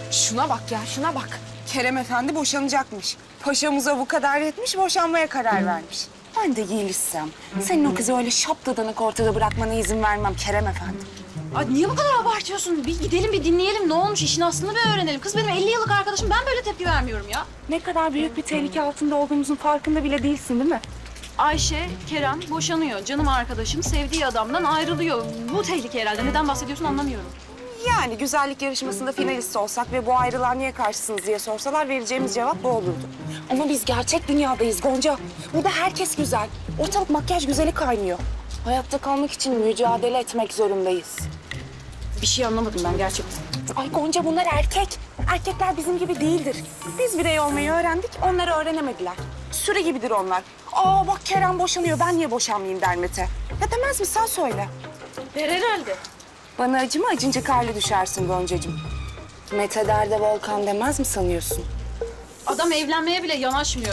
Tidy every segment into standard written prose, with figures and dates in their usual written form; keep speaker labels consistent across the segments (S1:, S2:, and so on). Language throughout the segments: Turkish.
S1: Şuna bak ya, şuna bak. Kerem Efendi boşanacakmış. Paşamıza bu kadar yetmiş, boşanmaya karar vermiş. Ben de Yeliz'sem, senin o kızı öyle şaptadanak ortada bırakmana izin vermem Kerem Efendi.
S2: Ay niye bu kadar abartıyorsun? Bir gidelim bir dinleyelim ne olmuş işin aslını bir öğrenelim. Kız benim 50 yıllık arkadaşım ben böyle tepki vermiyorum ya.
S1: Ne kadar büyük bir tehlike altında olduğumuzun farkında bile değilsin değil mi?
S2: Ayşe, Kerem boşanıyor. Canım arkadaşım sevdiği adamdan ayrılıyor. Bu tehlike herhalde. Neden bahsediyorsun anlamıyorum.
S1: Yani güzellik yarışmasında finalist olsak ve bu ayrılığa niye karşısınız diye sorsalar vereceğimiz cevap bu olurdu. Ama biz gerçek dünyadayız Gonca. Burada herkes güzel. Ortalık makyaj güzeli kaynıyor. Hayatta kalmak için mücadele etmek zorundayız.
S2: Bir şey anlamadım ben gerçekten.
S1: Ay Gonca bunlar erkek. Erkekler bizim gibi değildir. Biz birey olmayı öğrendik, onları öğrenemediler. Süre gibidir onlar. Aa bak Kerem boşanıyor, ben niye boşanmayayım der Mete. Ya demez mi sen söyle.
S2: Der herhalde.
S1: Bana acıma acınca karlı düşersin Goncacığım. Mete der de Volkan demez mi sanıyorsun?
S2: Adam evlenmeye bile yanaşmıyor.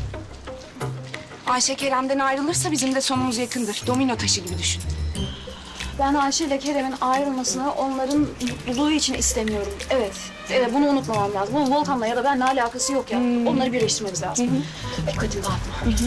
S1: Ayşe Kerem'den ayrılırsa bizim de sonumuz yakındır. Domino taşı gibi düşün.
S2: Ben Ayşe ile Kerem'in ayrılmasını onların mutluluğu için istemiyorum. Evet, bunu unutmamam lazım. Bu Volkan'la ya da benimle alakası yok ya. Onları birleştirmemiz lazım. Dikkatini dağıtma.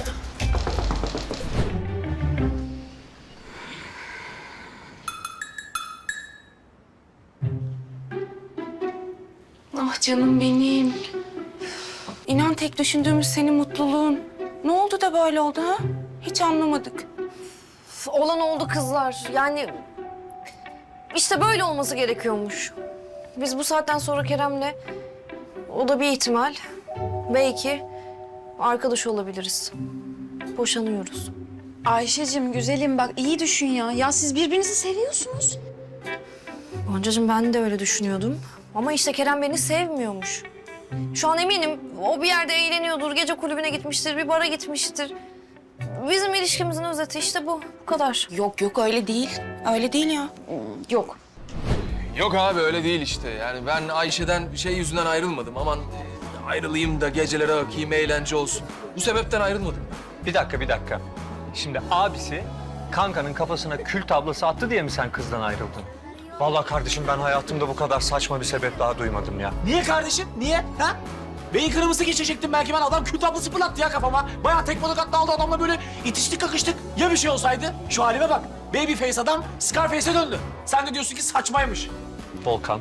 S1: Ah canım benim. İnan tek düşündüğümüz senin mutluluğun. Ne oldu da böyle oldu ha? Hiç anlamadık.
S3: Olan oldu kızlar. Yani işte böyle olması gerekiyormuş. Biz bu saatten sonra Kerem'le o da bir ihtimal. Belki arkadaş olabiliriz. Boşanıyoruz.
S2: Ayşe'cim güzelim bak iyi düşün ya. Ya siz birbirinizi seviyorsunuz.
S3: Goncacığım ben de öyle düşünüyordum. Ama işte Kerem beni sevmiyormuş. Şu an eminim o bir yerde eğleniyordur, gece kulübüne gitmiştir, bir bara gitmiştir. Bizim ilişkimizin özeti işte bu. Bu kadar.
S1: Yok yok öyle değil. Öyle değil ya.
S2: Yok.
S4: Yok abi öyle değil işte. Yani ben Ayşe'den bir şey yüzünden ayrılmadım. Aman ayrılayım da gecelere akayım, eğlence olsun. Bu sebepten ayrılmadım.
S5: Bir dakika. Şimdi abisi kankanın kafasına kül tablası attı diye mi sen kızdan ayrıldın? Vallahi kardeşim ben hayatımda bu kadar saçma bir sebep daha duymadım ya.
S6: Niye kardeşim? Niye? Ha? Beyin kırmızı geçecektim belki ben. Adam kül tablası fırlattı ya kafama. Bayağı tek balık atla aldı adamla böyle itiştik kakıştık. Ya bir şey olsaydı? Şu halime bak. Babyface adam Scarface'e döndü. Sen de diyorsun ki saçmaymış.
S5: Volkan.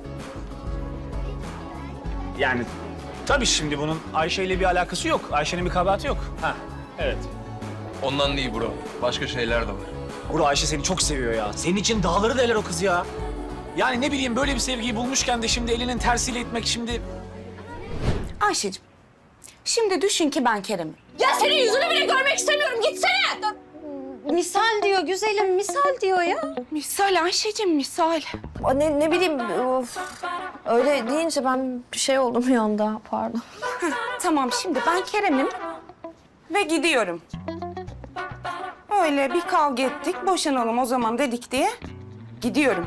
S6: Yani tabii şimdi bunun Ayşe ile bir alakası yok. Ayşe'nin bir kabahati yok. Ha, evet.
S4: Ondan değil bro. Başka şeyler de var.
S6: Bro Ayşe seni çok seviyor ya. Senin için dağları deler o kız ya. Yani ne bileyim böyle bir sevgiyi bulmuşken de şimdi elinin tersiyle itmek şimdi...
S1: Ayşe'cim, şimdi düşün ki ben Kerem'im.
S3: Ya senin yüzünü bile görmek istemiyorum. Gitsene.
S2: Misal diyor güzelim, misal diyor ya.
S1: Misal Ayşe'cim, misal.
S3: Ne bileyim, of. Öyle deyince ben bir şey oldum bir anda, pardon.
S1: Tamam şimdi ben Kerem'im ve gidiyorum. Öyle bir kavga ettik, boşanalım o zaman dedik diye gidiyorum.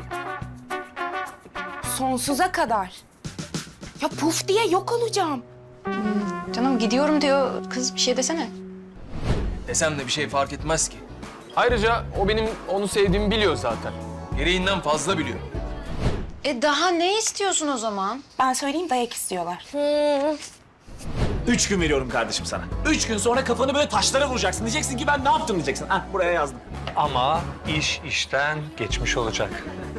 S1: Sonsuza kadar. Ya puf diye yok olacağım.
S2: Canım gidiyorum diyor. Kız bir şey desene.
S4: Desem de bir şey fark etmez ki. Ayrıca o benim onu sevdiğimi biliyor zaten. Gereğinden fazla biliyor.
S2: Daha ne istiyorsun o zaman?
S1: Ben söyleyeyim dayak istiyorlar.
S6: 3 gün veriyorum kardeşim sana. 3 gün sonra kafanı böyle taşlara vuracaksın. Diyeceksin ki ben ne yaptım diyeceksin. Hah buraya yazdım.
S5: Ama iş işten geçmiş olacak.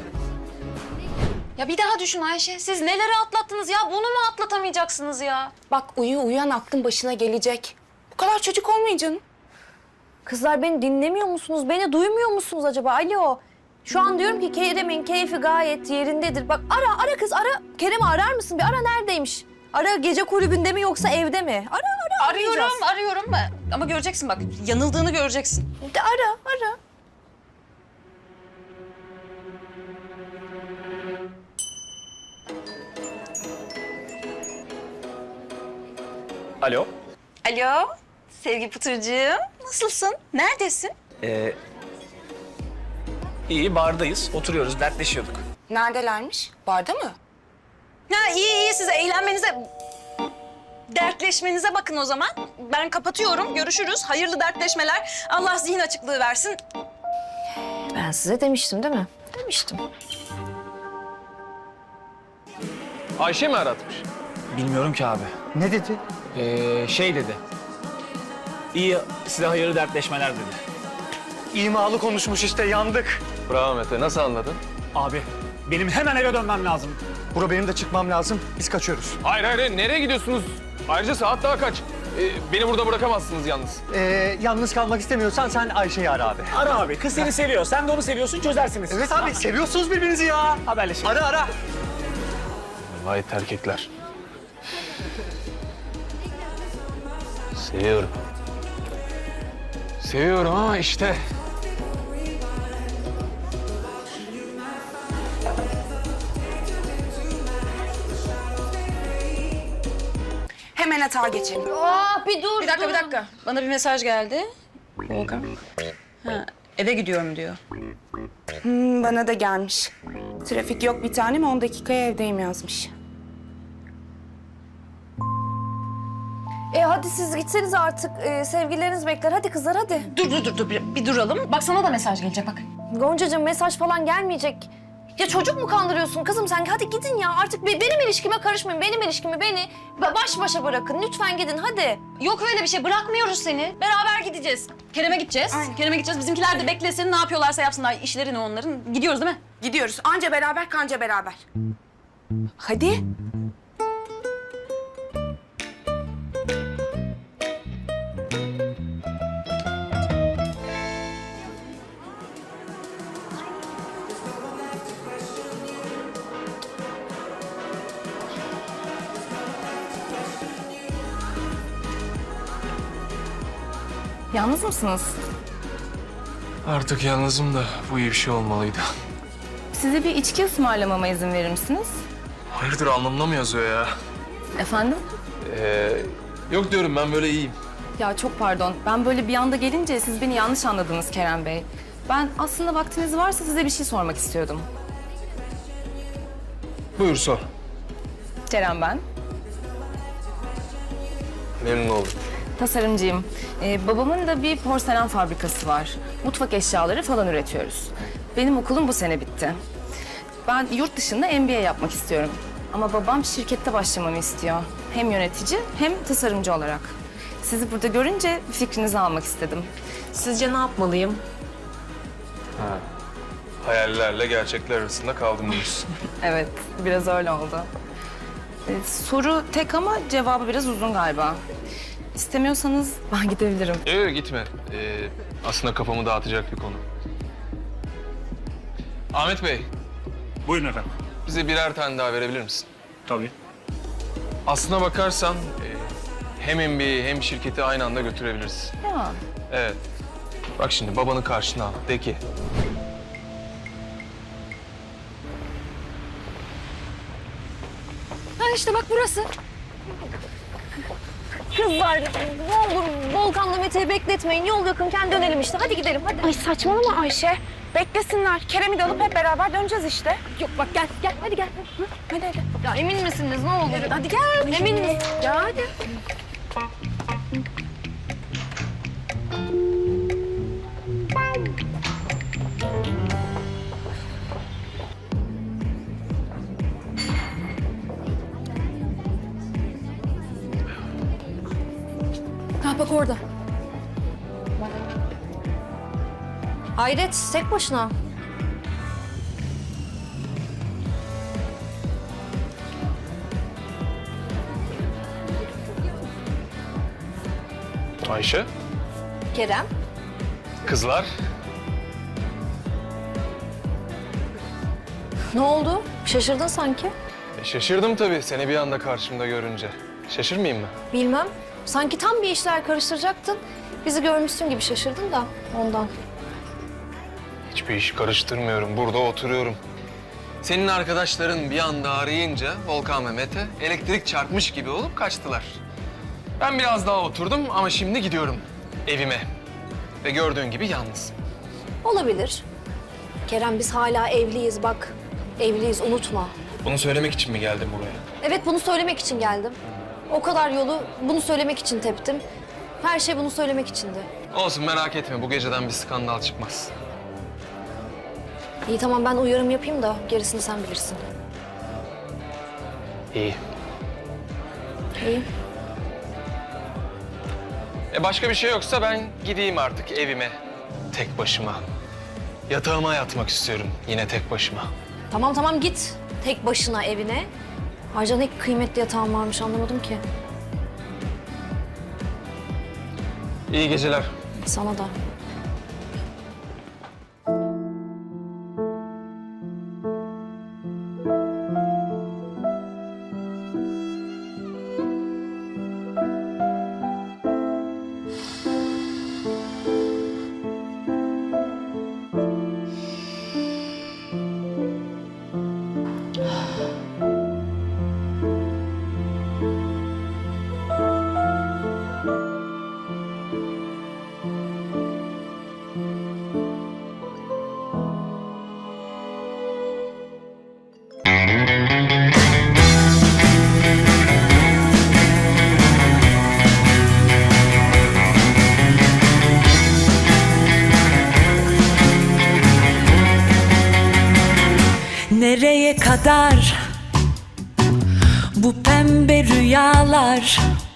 S2: Ya bir daha düşün Ayşe. Siz neleri atlattınız ya? Bunu mu atlatamayacaksınız ya?
S1: Bak uyan aklın başına gelecek. Bu kadar çocuk olmayın canım.
S3: Kızlar beni dinlemiyor musunuz? Beni duymuyor musunuz acaba? Alo. Şu an diyorum ki Kerem'in keyfi gayet yerindedir. Bak ara kız ara. Kerem'i arar mısın? Bir ara neredeymiş? Ara gece kulübünde mi yoksa evde mi? Ara arayacağız.
S2: Arıyorum. Ama göreceksin bak. Yanıldığını göreceksin.
S3: De ara.
S6: Alo.
S2: Alo. Sevgi Pıtırcığım. Nasılsın? Neredesin?
S6: İyi bardayız. Oturuyoruz, dertleşiyorduk.
S1: Neredelermiş? Barda mı?
S2: Ha iyi siz eğlenmenize... Dertleşmenize bakın o zaman. Ben kapatıyorum. Görüşürüz. Hayırlı dertleşmeler. Allah zihin açıklığı versin.
S3: Ben size demiştim değil mi? Demiştim.
S4: Ayşe mi aratmış?
S6: Bilmiyorum ki abi.
S5: Ne dedi?
S6: Şey dedi. İyi, size hayırlı dertleşmeler dedi.
S5: İmalı konuşmuş işte, yandık.
S4: Bravo Mete. Nasıl anladın?
S6: Abi, benim hemen eve dönmem lazım.
S5: Bro benim de çıkmam lazım. Biz kaçıyoruz.
S4: Hayır hayır. Nereye gidiyorsunuz? Ayrıca saat daha kaç? Beni burada bırakamazsınız yalnız.
S5: Yalnız kalmak istemiyorsan sen Ayşe'yi ara abi.
S6: Ara abi, kız seni seviyor. Sen de onu seviyorsun, çözersiniz.
S5: Evet abi, seviyorsunuz birbirinizi ya.
S6: Haberleşelim.
S5: Ara.
S4: Vay erkekler. Seviyorum. Seviyorum ama işte.
S1: Hemen hata geçelim.
S3: Bir dur.
S7: Bir dakika. Bana bir mesaj geldi. Volkan. Ha, eve gidiyorum diyor.
S1: Bana da gelmiş. Trafik yok bir tanem, 10 dakikaya evdeyim yazmış.
S3: Hadi siz gitseniz artık. Sevgilileriniz bekler. Hadi kızlar hadi.
S7: Dur. Bir duralım. Bak sana da mesaj gelecek bak.
S3: Goncacığım mesaj falan gelmeyecek. Ya çocuk mu kandırıyorsun kızım sen? Hadi gidin ya. Artık benim ilişkime karışmayın. Benim ilişkimi beni baş başa bırakın. Lütfen gidin hadi.
S7: Yok öyle bir şey. Bırakmıyoruz seni. Beraber gideceğiz. Kerem'e gideceğiz.
S1: Aynen.
S7: Kerem'e gideceğiz. Bizimkiler de beklesin. Ne yapıyorlarsa yapsınlar. İşleri ne onların. Gidiyoruz değil mi?
S1: Gidiyoruz. Anca beraber, kanca beraber. Hadi.
S8: Yalnız mısınız?
S4: Artık yalnızım da bu iyi bir şey olmalıydı.
S8: Size bir içki ısmarlamama izin verir misiniz?
S4: Hayırdır anlamına mı yazıyor ya?
S8: Efendim?
S4: Yok diyorum ben böyle iyiyim.
S8: Ya çok pardon. Ben böyle bir anda gelince siz beni yanlış anladınız Kerem Bey. Ben aslında vaktiniz varsa size bir şey sormak istiyordum.
S4: Buyur sor.
S8: Kerem ben.
S4: Memnun oldum.
S8: Tasarımcıyım. Babamın da bir porselen fabrikası var. Mutfak eşyaları falan üretiyoruz. Benim okulum bu sene bitti. Ben yurt dışında MBA yapmak istiyorum. Ama babam şirkette başlamamı istiyor. Hem yönetici hem tasarımcı olarak. Sizi burada görünce fikrinizi almak istedim. Sizce ne yapmalıyım?
S4: Hayallerle gerçekler arasında kaldım diyorsun.
S8: Evet, biraz öyle oldu. Soru tek ama cevabı biraz uzun galiba. İstemiyorsanız ben gidebilirim.
S4: Yok gitme. Aslında kafamı dağıtacak bir konu. Ahmet Bey,
S6: Buyurun efendim.
S4: bize birer tane daha verebilir misin?
S6: Tabii.
S4: Aslına bakarsan hem MBA'yi hem şirketi aynı anda götürebiliriz.
S8: Ya,
S4: Evet. Bak şimdi babanı karşına al. De ki
S3: Ha işte bak burası. Kızlar ne olur Volkan'la Mete'yi bekletmeyin. Yol yakınken dönelim işte. Hadi gidelim hadi.
S1: Ay saçmalama Ayşe. Beklesinler. Kerem'i de alıp hep beraber döneceğiz işte.
S3: Yok bak gel hadi gel.
S1: Hadi hadi.
S3: Ya emin misiniz ne olur? Hadi gel. Emin misin? Ya hadi. Ha bak orada. Hayret tek başına.
S4: Ayşe,
S3: Kerem.
S4: kızlar.
S3: Ne oldu? Şaşırdın sanki.
S4: Şaşırdım tabii seni bir anda karşımda görünce. Şaşırmayayım mı?
S3: Bilmem. Sanki tam bir işler karıştıracaktın. Bizi görmüşsün gibi şaşırdın da ondan.
S4: Hiçbir iş karıştırmıyorum. Burada oturuyorum. Senin arkadaşların bir anda arayınca Volkan ve Mete elektrik çarpmış gibi olup kaçtılar. Ben biraz daha oturdum ama şimdi gidiyorum evime. Ve gördüğün gibi yalnız.
S3: Olabilir. Kerem biz hala evliyiz bak. Evliyiz unutma.
S4: Bunu söylemek için mi geldin buraya?
S3: Evet bunu söylemek için geldim. O kadar yolu bunu söylemek için teptim. Her şey bunu söylemek içindi.
S4: Olsun merak etme bu geceden bir skandal çıkmaz.
S3: İyi tamam ben uyarım yapayım da gerisini sen bilirsin.
S4: İyi.
S3: İyi.
S4: Başka bir şey yoksa ben gideyim artık evime. Tek başıma. Yatağıma yatmak istiyorum yine tek başıma.
S3: Tamam tamam git tek başına evine. Ayrıca ne kıymetli yatağın varmış anlamadım ki.
S4: İyi geceler.
S3: Sana da.
S9: Nereye kadar bu pembe rüyalar?